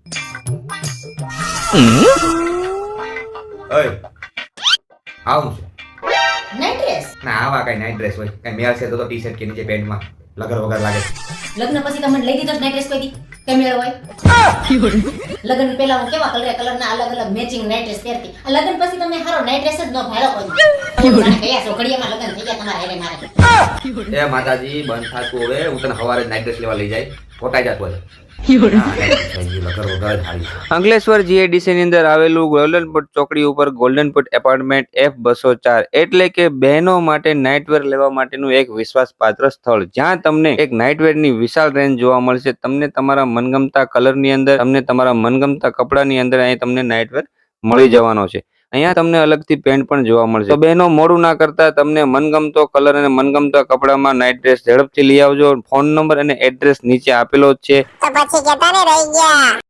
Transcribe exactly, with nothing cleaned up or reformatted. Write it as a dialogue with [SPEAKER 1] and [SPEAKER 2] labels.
[SPEAKER 1] ઓય આવું છે
[SPEAKER 2] નાઈટ ડ્રેસ
[SPEAKER 1] ના આવા કઈ નાઈટ ડ્રેસ હોય કઈ મેળ છે તો ટી શર્ટ કે નીચે પેન્ટમાં લગર વગર લાગે.
[SPEAKER 2] લગ્ન પછી તમને લઈ દીધો નાઈટ ડ્રેસ કોઈ દી કઈ મેળ હોય? લગ્ન પહેલા હું કેવા કલર કલરના અલગ અલગ મેચિંગ નાઈટ ડ્રેસ પહેરતી. આ લગ્ન પછી તમે હારો નાઈટ ડ્રેસ જ ન ભાળો કોઈ દી. જાણે કયા છોકરીઓમાં લગ્ન થઈ ગયા તમારા હેરે મારે.
[SPEAKER 1] એ માતાજી બંધ થાતું હવે હું તને સવારે નાઈટ ડ્રેસ લેવા લઈ જાય ખોટાઈ જાતો હોય.
[SPEAKER 3] અંકલેશ્વર જીઆઈડીસી ની અંદર આવેલું ગોલ્ડન પટ ચોકડી ઉપર ગોલ્ડન પટ એપાર્ટમેન્ટ એફ બસો ચાર એટલે કે બહેનો માટે નાઇટવેર લેવા માટેનું એક વિશ્વાસપાત્ર સ્થળ, જ્યાં તમને એક નાઇટવેર ની વિશાળ રેન્જ જોવા મળશે. તમને તમારા મનગમતા કલર ની અંદર, તમને તમારા મનગમતા કપડાની અંદર અહીં તમને નાઇટવેર મળી જવાનો છે. અહીંયા તમને અલગથી પેન્ટ પણ જોવા મળશે. તો બહેનો મોડું ના કરતા તમને મનગમતો કલર અને મનગમતા કપડામાં નાઇટ ડ્રેસ ઝડપથી લઈ આવજો. ફોન નંબર અને એડ્રેસ નીચે આપેલો જ છે.
[SPEAKER 4] તો પછી કેતા ને રહી ગયા.